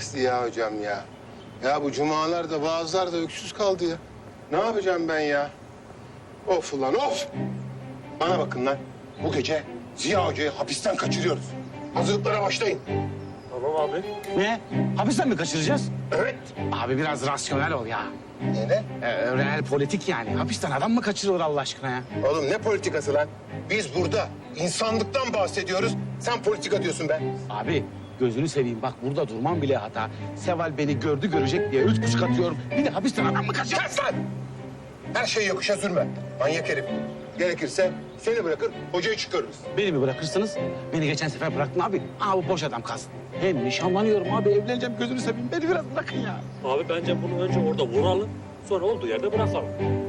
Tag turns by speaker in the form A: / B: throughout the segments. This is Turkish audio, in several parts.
A: Ziya hocam ya. Ya bu cumalar da vaazlar da öksüz kaldı ya. Ne yapacağım ben ya? Of ulan of! Bana bakın lan. Bu gece Ziya Hoca'yı hapisten kaçırıyoruz. Hazırlıklara başlayın.
B: Tamam abi.
C: Ne? Hapisten mi kaçıracağız?
A: Evet.
C: Abi biraz rasyonel ol ya.
A: Ne?
C: Real politik yani. Hapisten adam mı kaçırılır Allah aşkına ya?
A: Oğlum ne politikası lan? Biz burada insanlıktan bahsediyoruz. Sen politika diyorsun be.
C: Abi gözünü seveyim bak burada durmam bile hata. Seval beni gördü görecek diye 3 kuş atıyorum. Bir de hapisten adam mı kaçırır?
A: Kes lan! Her şeyi yokuşa sürme. Manyak herif. Gerekirse seni bırakır, hocayı çıkarırız.
C: Beni mi bırakırsınız? Beni geçen sefer bıraktın abi. Aa bu boş adam kalsın. Hem nişanlanıyorum abi evleneceğim gözünü seveyim. Beni biraz bırakın ya.
B: Abi bence bunu önce orada vuralım. Sonra olduğu yerde bırakalım.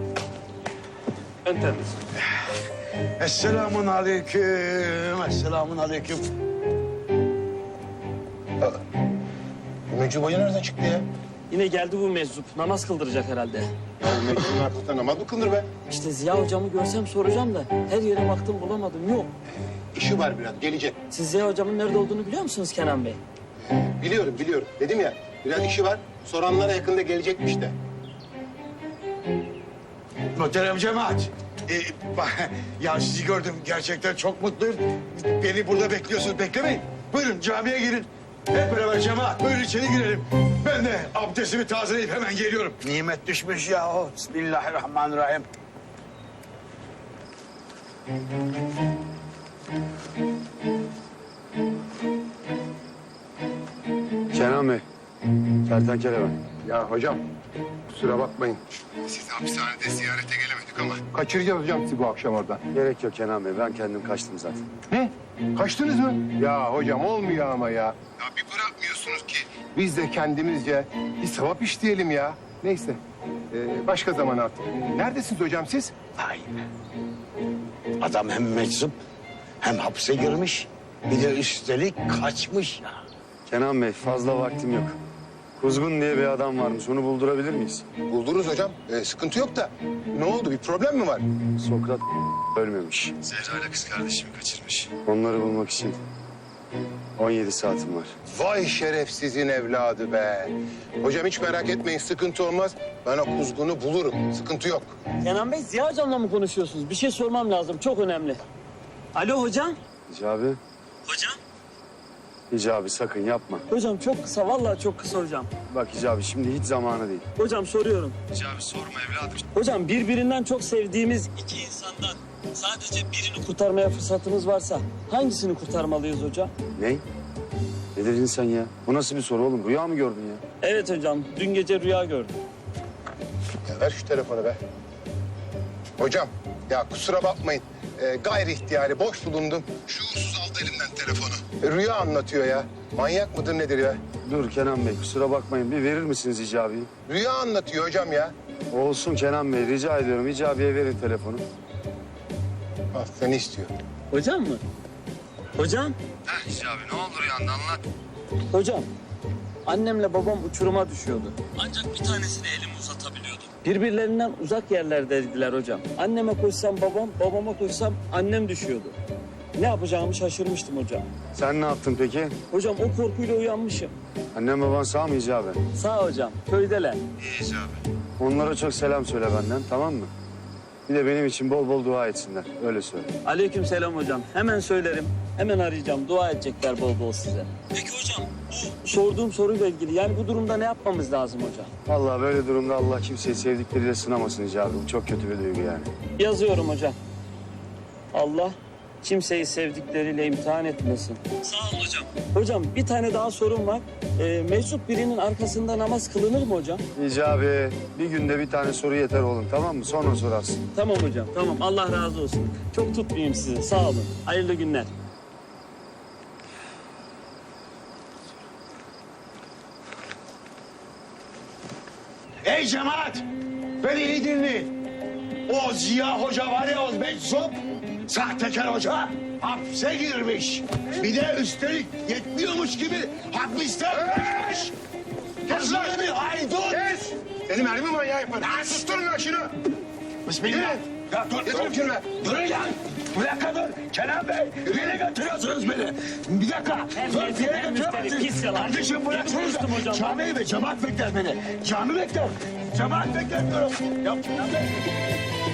B: En temiz.
D: Esselamun aleyküm, esselamun aleyküm.
A: Mecnun Hoca nereden çıktı ya?
E: Yine geldi bu meczup. Namaz kıldıracak herhalde.
A: Ya Mecnun'un arkasında namaz mı kılınır be?
E: İşte Ziya hocamı görsem soracağım da her yere baktım bulamadım. Yok.
A: İşi var biraz, gelecek.
E: Siz Ziya hocamın nerede olduğunu biliyor musunuz Kenan Bey?
A: Biliyorum. Dedim ya, biraz işi var. Soranlara yakında gelecekmiş de.
D: Muhterem cemaat. Ya sizi gördüm, gerçekten çok mutluyum. Beni burada bekliyorsunuz, beklemeyin. Buyurun camiye girin. Hep beraber cemaat, buyurun içeri girelim. Ben de abdestimi tazeleyip hemen geliyorum. Nimet düşmüş ya o. Bismillahirrahmanirrahim.
F: Kenan Bey, kertenkele ben.
A: Ya hocam, kusura bakmayın. Sizi hapishanede ziyarete gelemedik ama... Kaçıracağız hocam sizi bu akşam oradan.
F: Gerek yok Kenan Bey, ben kendim kaçtım zaten.
A: Ne? Kaçtınız mı? Ya hocam olmuyor ama ya. Ya bir bırakmıyorsunuz ki. Biz de kendimizce bir sevap işleyelim ya. Neyse, başka zaman artık. Neredesiniz hocam siz?
D: Vay be. Adam hem meczup hem hapse girmiş. Bir de üstelik kaçmış ya.
F: Kenan Bey, fazla vaktim yok. Kuzgun diye bir adam varmış, onu buldurabilir miyiz?
A: Bulduruz hocam. Sıkıntı yok da. Ne oldu? Bir problem mi var?
F: Sokrat ölmemiş. Zehra ile kız kardeşimi kaçırmış. Onları bulmak için 17 saatim var.
A: Vay şerefsizin evladı be. Hocam hiç merak etmeyin, sıkıntı olmaz. Ben o kuzgunu bulurum. Sıkıntı yok.
E: Kenan Bey Ziya hocamla mı konuşuyorsunuz? Bir şey sormam lazım. Çok önemli. Alo hocam.
F: Hicabi,
E: Hocam.
F: Hicabi sakın yapma.
E: Hocam çok kısa. Vallahi çok kısa hocam.
F: Bak Hicabi, şimdi hiç zamanı değil.
E: Hocam soruyorum.
F: Hicabi sorma evladım.
E: Hocam birbirinden çok sevdiğimiz iki insandan sadece birini kurtarmaya fırsatımız varsa hangisini kurtarmalıyız hocam?
F: Ne? Ne dedin sen ya? Bu nasıl bir soru oğlum? Rüya mı gördün ya?
E: Evet hocam. Dün gece rüya gördüm.
A: Ya ver şu telefonu be. Hocam, ya kusura bakmayın. Gayri ihtiyari boş bulundum. Şuursuz aldı elimden telefonu. Rüya anlatıyor ya. Manyak mıdır nedir ya?
F: Dur Kenan Bey, kusura bakmayın. Bir verir misiniz Hicabi'yi?
A: Rüya anlatıyor hocam ya.
F: Olsun Kenan Bey, rica ediyorum. Hicabi'ye verin telefonu.
A: Al, seni istiyor.
E: Hocam mı? Hocam?
F: Heh Hicabi, ne olur rüyanda anlat.
E: Hocam, annemle babam uçuruma düşüyordu. Ancak bir tanesini elimi uzatabiliyordum. Birbirlerinden uzak yerlerdeydiler hocam. Anneme koşsam babam, babama koşsam annem düşüyordu. Ne yapacağımı şaşırmıştım hocam.
F: Sen ne yaptın peki?
E: Hocam o korkuyla uyanmışım.
F: Annem baban sağ mı Hicabi?
E: Sağ hocam, köydeler.
F: İyi Hicabi. Onlara çok selam söyle benden, tamam mı? Bir de benim için bol bol dua etsinler, öyle söyle.
E: Aleykümselam hocam. Hemen söylerim. Hemen arayacağım. Dua edecekler bol bol size. Peki hocam, bu sorduğum soruyla ilgili yani bu durumda ne yapmamız lazım hocam?
F: Vallahi böyle durumda Allah kimseyi sevdikleriyle sınamasın Hicabi. Bu çok kötü bir duygu yani.
E: Yazıyorum hocam. Allah kimseyi sevdikleriyle imtihan etmesin. Sağ olun hocam. Hocam bir tane daha sorum var. Meczup birinin arkasında namaz kılınır mı hocam?
F: Hicabi, bir günde bir tane soru yeter oğlum, tamam mı? Sonra sorarsın.
E: Tamam hocam, tamam. Allah razı olsun. Çok tutmayayım sizi. Sağ olun. Hayırlı günler.
D: Ey cemaat! Beni iyi dinleyin. O Ziya Hoca var ya, o meczup, sahtekar hoca hapse girmiş. Bir de üstelik yetmiyormuş gibi hapislenmiş. Kes lan bir haydut!
A: Kes! Seni mermi manyağı yaparım. Susturun lan şunu.
D: Bismillah. Ya dur,
A: Getir şunu be.
D: Durun lan! Bir dakika dur. Kenan Bey, nereye götürüyorsunuz beni? Bir dakika. Dur, bir yere götürüyorsunuz.
E: Pis yalan.
D: Kardeşim bıraksınız
E: Konuştum hocam.
D: da. Cami ve cemaat bekler beni. Cami bekler. Cemaat bekler diyorum. Ya Kenan Bey.